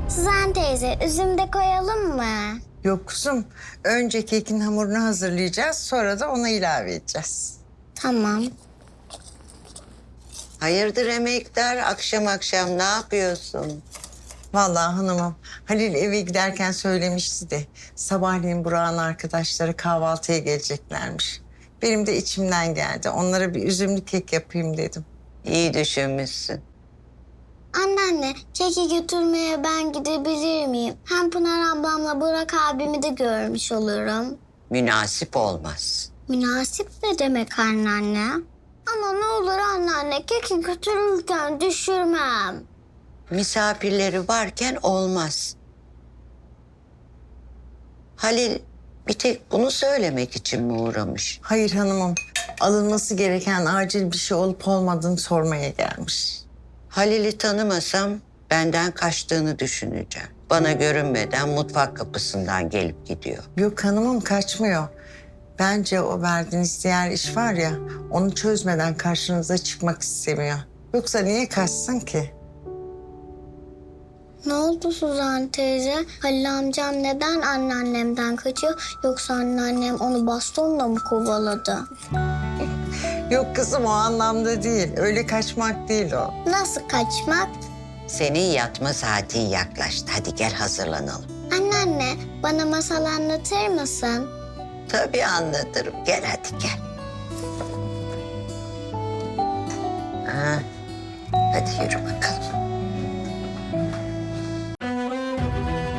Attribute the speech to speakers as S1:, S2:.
S1: Suzan teyze, üzüm de koyalım mı?
S2: Yok kuzum. Önce kekin hamurunu hazırlayacağız. Sonra da ona ilave edeceğiz.
S1: Tamam.
S3: Hayırdır emektar? Akşam akşam ne yapıyorsun?
S2: Vallahi hanımım, Halil eve giderken söylemişti de sabahleyin Burak'ın arkadaşları kahvaltıya geleceklermiş. Benim de içimden geldi. Onlara bir üzümlü kek yapayım dedim.
S3: İyi düşünmüşsün.
S1: Anneanne, keki götürmeye ben gidebilir miyim? Hem Pınar ablamla Burak abimi de görmüş olurum.
S3: Münasip olmaz.
S1: Münasip ne demek anneanne? Ama ne olur anneanne, keki götürürken düşürmem.
S3: Misafirleri varken olmaz. Halil bir tek bunu söylemek için mi uğramış?
S2: Hayır hanımım, alınması gereken acil bir şey olup olmadığını sormaya gelmiş.
S3: Halil'i tanımasam benden kaçtığını düşüneceğim. Bana görünmeden mutfak kapısından gelip gidiyor.
S2: Yok hanımım, kaçmıyor. Bence o verdiğiniz diğer iş var ya, onu çözmeden karşınıza çıkmak istemiyor. Yoksa niye kaçsın ki?
S1: Ne oldu Suzan teyze? Halil amcam neden anneannemden kaçıyor? Yoksa anneannem onu bastonla mı kovaladı?
S2: Yok kızım, o anlamda değil. Öyle kaçmak değil o.
S1: Nasıl kaçmak?
S3: Senin yatma saatin yaklaştı. Hadi gel hazırlanalım.
S1: Anneanne, bana masal anlatır mısın?
S3: Tabii anlatırım. Gel hadi gel. Ha, hadi yürü bakalım.